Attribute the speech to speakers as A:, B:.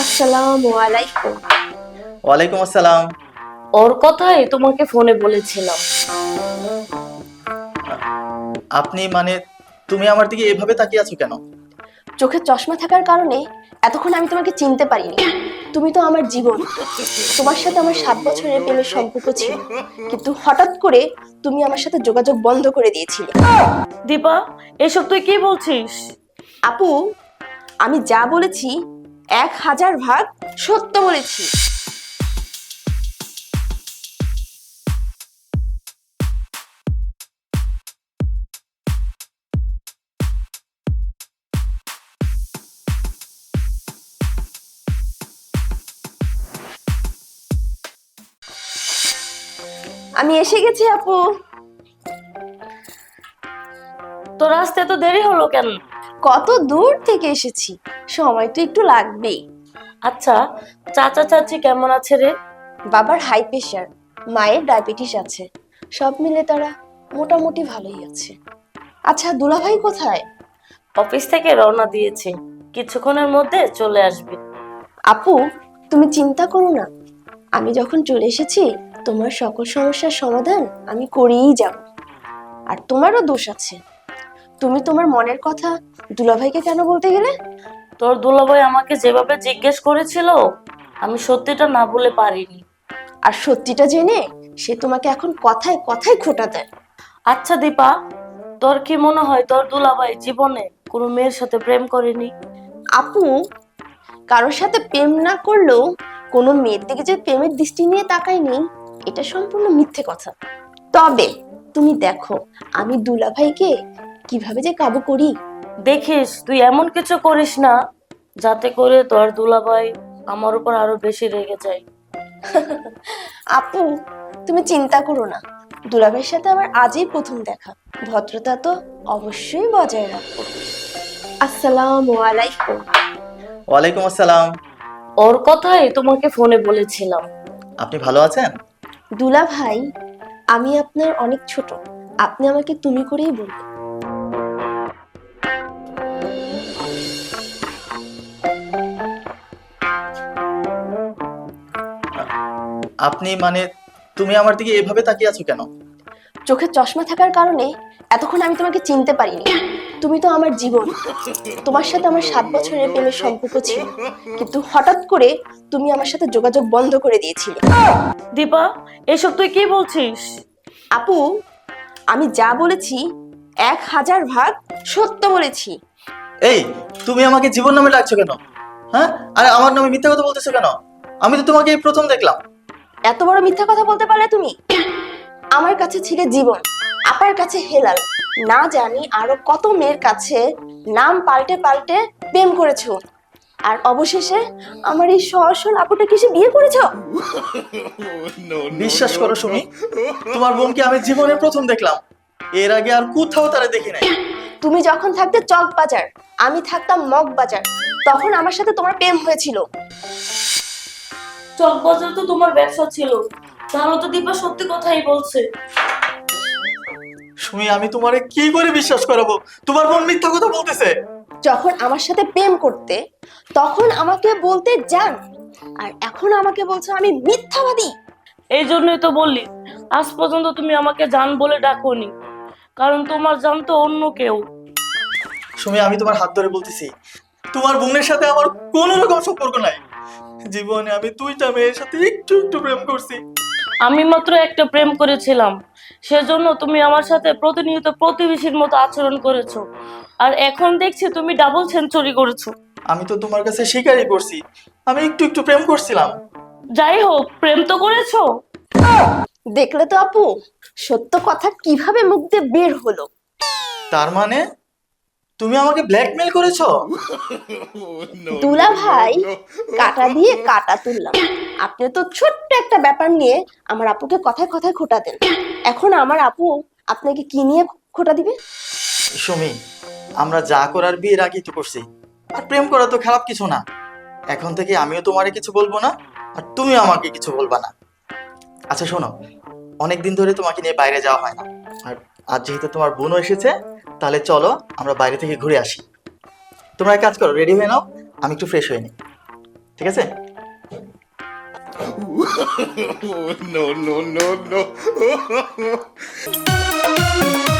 A: আসসালামু আলাইকুম।
B: ওয়ালাইকুম আসসালাম।
A: ওর কথাই তোমাকে ফোনে বলেছিলাম।
B: আপনি মানে তুমি আমার দিকে এভাবে তাকিয়ে আছো কেন?
A: চোখে চশমা থাকার কারণে এতক্ষণ আমি তোমাকে চিনতে পারিনি। তুমি তো আমার জীবন। তোমার সাথে আমার 7 বছরের প্রেমের সম্পর্ক ছিল, কিন্তু হঠাৎ করে তুমি আমার সাথে যোগাযোগ বন্ধ করে দিয়েছিলে।
C: দীপা, এসব তুই কি বলছিস?
A: আপু, আমি যা বলেছি 1000 ভাগ সত্য বলেছি। আমি এসে গেছি আপু।
C: তোর আসতে এত দেরি হলো কেন?
A: কত দূর থেকে এসেছি, সময় তো একটু লাগবেই।
C: আচ্ছা, চাচা চাচি কেমন আছে রে?
A: বাবার হাই প্রেশার, মায়ের ডায়াবেটিস আছে, সব মিলে তারা মোটামুটি ভালোই আছে। আচ্ছা, দুলাভাই কোথায়?
C: অফিস থেকে রওনা দিয়েছে, কিছুক্ষণের মধ্যে চলে আসবে।
A: আপু, তুমি চিন্তা করো না, আমি যখন চলে এসেছি তোমার সকল সমস্যার সমাধান আমি করেই যাব। আর তোমারও দোষ আছে, তুমি তোমার মনের কথা দুলাভাইকে কেন বলতে গেলে?
C: তোর দুলাভাই আমাকে যেভাবে জিজ্ঞেস করেছিল, আমি সত্যিটা না বলে পারিনি।
A: আর সত্যিটা জেনে সে তোমাকে এখন কথায় কথায় খোঁটা দেয়।
C: আচ্ছা দীপা, তোর কি মনে হয় তোর দুলাভাই জীবনে কোনো মেয়ের সাথে প্রেম করেনি?
A: আপু, কারোর সাথে প্রেম না করলেও কোনো মেয়ের দিকে যে প্রেমের দৃষ্টি নিয়ে তাকায়নি, এটা সম্পূর্ণ মিথ্যে কথা। তবে তুমি দেখো আমি দুলাভাইকে কিভাবে যে কাবু করি।
C: দেখিস তুই এমন কিছু করিস না যাতে করে তোর দুলাভাই আমার উপর আরো বেশি রেগে যায়।
A: আপু, তুমি চিন্তা করো না, দুলাভাইয়ের সাথে আমার আজই প্রথম দেখা, ভদ্রতা তো অবশ্যই বজায় রাখবো। আসসালামু আলাইকুম।
B: ওয়ালাইকুম আসসালাম।
C: ওর কথাই তোমাকে ফোনে বলেছিলাম।
B: আপনি ভালো আছেন?
A: দুলাভাই, আমি আপনার অনেক ছোট, আপনি আমাকে তুমি করেই বলবেন।
B: আপনি মানে তুমি আমার দিকে এভাবে তাকিয়ে আছো কেন?
A: চোখে চশমা থাকার কারণে এতক্ষণ আমি তোমাকে চিনতে পারিনি। তুমি তো আমার জীবন। তোমার সাথে আমার 7 বছরের প্রেমের সম্পর্ক ছিল, কিন্তু হঠাৎ করে তুমি আমার সাথে যোগাযোগ বন্ধ করে দিয়েছিলে।
C: দীপা, এসব তুই কি বলছিস?
A: আপু, আমি যা বলেছি 1000 ভাগ সত্য বলেছি।
B: এই, তুমি আমাকে জীবন নামে ডাকছো কেন? হ্যাঁ, আরে আমার নামে মিথ্যা কথা বলতেছো কেন? আমি তো তোমাকে এই প্রথম দেখলাম।
A: এত বড় মিথ্যা কথা বলতে পারলে তুমি? আমার কাছে ছিলে জীবন, আপার কাছে হেলাল, না জানি আরো কত মেয়ের কাছে নাম পাল্টে পাল্টে প্রেম করেছো, আর অবশেষে আমার এই সরল আপুটা কিসে বিয়ে করেছো?
B: বিশ্বাস করো সুমি, তোমার বোনকে আমি জীবনে প্রথম দেখলাম। এর আগে আর কোথাও তারা দেখি নাই।
A: তুমি যখন থাকতে চক বাজার, আমি থাকতাম মগ বাজার, তখন আমার সাথে তোমার প্রেম হয়েছিল।
C: চকবাজার তো তোমার ব্যবসা ছিল, তাহলে তো দীপা সত্যি কথাই বলছে।
B: সুমি, আমি তোমারে কি করে বিশ্বাস করাবো? তোমার বোন মিথ্যা কথা বলতেছে।
A: যখন আমার সাথে প্রেম করতে তখন আমাকে বলতে জান, আর এখন আমাকে বলছো আমি মিথ্যাবাদী।
C: এই জন্যই তো বললি আজ পর্যন্ত তুমি আমাকে জান বলে ডাকোনি, কারণ তোমার জান তো অন্য কেউ।
B: সুমি, আমি তোমার হাত ধরে বলতেছি, তোমার বোনের সাথে আমার কোনো রকম সম্পর্ক নাই। জীবনে আমি 2টা মেয়ের সাথে একটু একটু প্রেম করছি।
C: আমি মাত্র একটা প্রেম করেছিলাম, সেজন্য তুমি আমার সাথে প্রতিনিয়ত প্রতিবেশীর মতো আচরণ করেছো, আর এখন দেখছি তুমি ডাবল সেঞ্চুরি করেছো।
B: আমি তো তোমার কাছে স্বীকারই করছি, আমি একটু একটু প্রেম করছিলাম।
C: যাই হোক, প্রেম তো করেছো।
A: দেখলে তো আপু, সত্য কথা কিভাবে মুখ দিয়ে বের হলো।
B: তার মানে তুমি আমাকে ব্ল্যাকমেল করেছো?
A: দুলা ভাই, কাটা দিয়ে কাটা তুললাম। আপনি তো ছোট্ট একটা ব্যাপার নিয়ে আমার আপুকে কথায় কথায় খোটা দেন, এখন আমার আপু আপনাকে কি নিয়ে খোটা দিবে?
B: সুমি, আমরা যা করার বিয়ের আগেই তো করছি, আর প্রেম করা তো খারাপ কিছু না। এখন থেকে আমিও তোমারে কিছু বলবো না, আর তুমিও আমাকে কিছু বলবা না। আচ্ছা শোনো, অনেকদিন ধরে তোমাকে নিয়ে বাইরে যাওয়া হয় না, আর আজ যেহেতু তোমার বোনও এসেছে, তাহলে চলো আমরা বাইরে থেকে ঘুরে আসি। তোমরা এক কাজ করো, রেডি হয়ে নাও, আমি একটু ফ্রেশ হয়ে নিই। ঠিক আছে?
D: No, no, no, no.